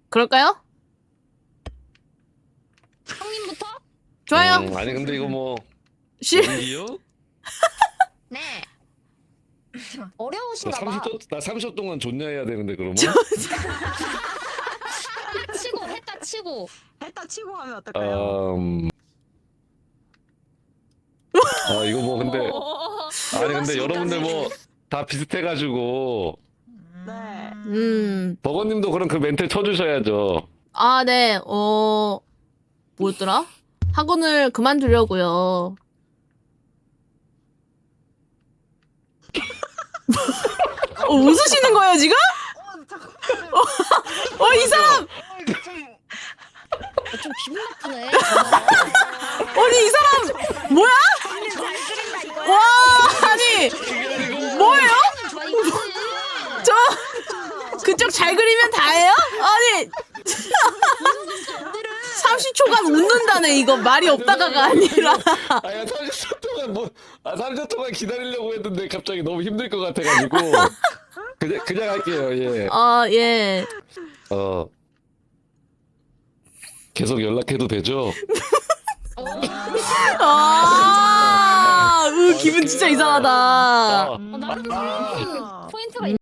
그럴까요? 형님부터? 좋아요. 아니 근데 이거 뭐 실 연기요? 네. 나 어려우신가 봐. 30초 동안 존냐 해야 되는데 그러면? 치고 했다 치고. 했다 치고 하면 어떨까요? 이거 뭐 근데 아니 근데 여러분들 뭐 다 비슷해가지고 네. 버거님도 그럼 그 멘트 쳐주셔야죠. 아, 네. 뭐였더라? 학원을 그만두려고요. 웃으시는 거예요, 지금? 잠깐만요. 이 사람! 좀 기분 나쁘네. 아니, 이 사람! 뭐야? 잘 그린다 이거야. 와, 아니! 뭐예요? 저, 그쪽 잘 그리면 다예요? 아니! 30초간 웃는다네, 이거. 말이 없다가가 아니라. 아야 30초 동안 30초 동안 기다리려고 했는데 갑자기 너무 힘들 것 같아가지고 그냥 할게요. 예. 예. 계속 연락해도 되죠? 기분 진짜 이상하다. 나름